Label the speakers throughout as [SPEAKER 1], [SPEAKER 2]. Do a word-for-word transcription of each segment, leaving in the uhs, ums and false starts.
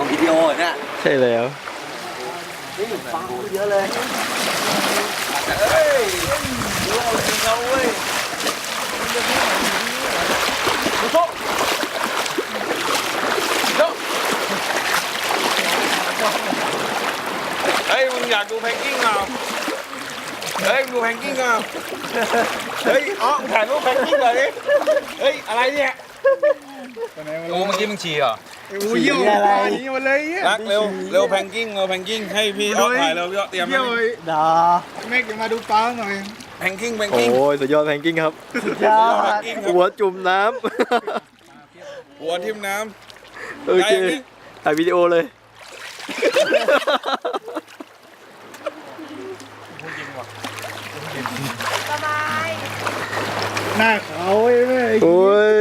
[SPEAKER 1] ของวิดีโอเนี่ย
[SPEAKER 2] ใช่แล้ว
[SPEAKER 1] นี่ฟังเยอะเลยเฮ้ยดูเอาจริงเอาเว้ยดูโชเฮ้ยมึงอยากดูแพงกิ้งเปล่าเฮ้ยดูแพงกิ้งเปล่าเฮ้ยอ๋อถ่ายรูปแพงกิ้งหน่อยดิเฮ้ยอะไรเนี่ยโอ้เมื่อกี้มึงฉี่เหรอ
[SPEAKER 3] กูเยี่ยวอะไรเยี่ยวเลยเยี่ย
[SPEAKER 1] รักเร็วเร็วแพงกิ้งเร็วแพงกิ้งให้พี่ออฟถ่ายเร็วพี่ออฟเตรียม
[SPEAKER 3] เยี่ยวเลย
[SPEAKER 2] ดา
[SPEAKER 3] แม่จะมาดูปลาหน่อย
[SPEAKER 1] แพงกิ้งแพง
[SPEAKER 2] โอ้
[SPEAKER 1] กิ้ง
[SPEAKER 2] ยสุดยอดแพงกิ้งครับ
[SPEAKER 1] ยอดแพงกิ้งครับ
[SPEAKER 2] หัวจุ่มน้
[SPEAKER 1] หัวทิ่มน้
[SPEAKER 2] ำ โอเคถ่ายวิดีโอเลย
[SPEAKER 4] สบาย
[SPEAKER 3] หน้าขาวไอ้แม่
[SPEAKER 2] โอ้ย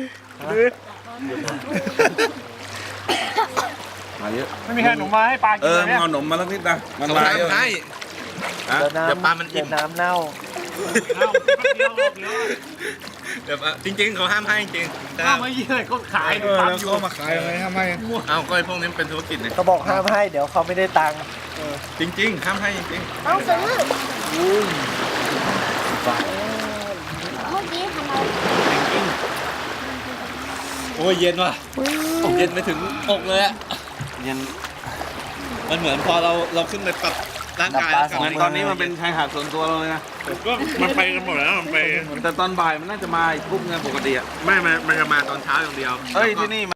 [SPEAKER 1] ำมาเยอะ
[SPEAKER 3] ไม่มีใครหนูมาให้ปลา
[SPEAKER 1] เอ
[SPEAKER 3] กิน
[SPEAKER 1] อ
[SPEAKER 3] เลย
[SPEAKER 1] มึง
[SPEAKER 3] เนี่ย
[SPEAKER 1] เอาหนมมาสักนิดนะมันมาเยอะให้
[SPEAKER 2] เดี๋ยวปลามันอิ่มน้ำเน่า
[SPEAKER 1] เดี๋ยวจริงๆเขาห้ามให้จริง
[SPEAKER 3] ข้าวไม่เยี่ยก็ขายเออแล้วเขามาขายอะไรทำไม
[SPEAKER 1] เอาก็ไอ้พวกนี้เป็นธุรกิจเนี่ย
[SPEAKER 2] เขาบอกห้ามให้ เดี๋ยวเขาไม่ได้ตังค์
[SPEAKER 1] จริงๆห้ามให้จริง
[SPEAKER 4] ต้องซื้อเมื่อกี้ทำไม
[SPEAKER 5] โอ้ยเย็นว่ะเย็นไปถึงอกเลยอะ
[SPEAKER 1] ๆยัง
[SPEAKER 5] มันเหมือนพอเราเราขึ้นไปปรับร่างกายแล้วกลับ
[SPEAKER 1] เหมือน
[SPEAKER 5] มา
[SPEAKER 1] ตอนนี้มันเป็นชายหาดส่วนตัวเราเลยนะ
[SPEAKER 5] ก็มันไปกันหมดแล้วมันไป
[SPEAKER 1] แต่ตอนบ่ายมันน่าจะมาอีกกลุ่มเงินปกติอ่ะ
[SPEAKER 5] ไม่มันมันจะมาตอนเช้าอย่างเดียว
[SPEAKER 1] เอ้ยที่นี่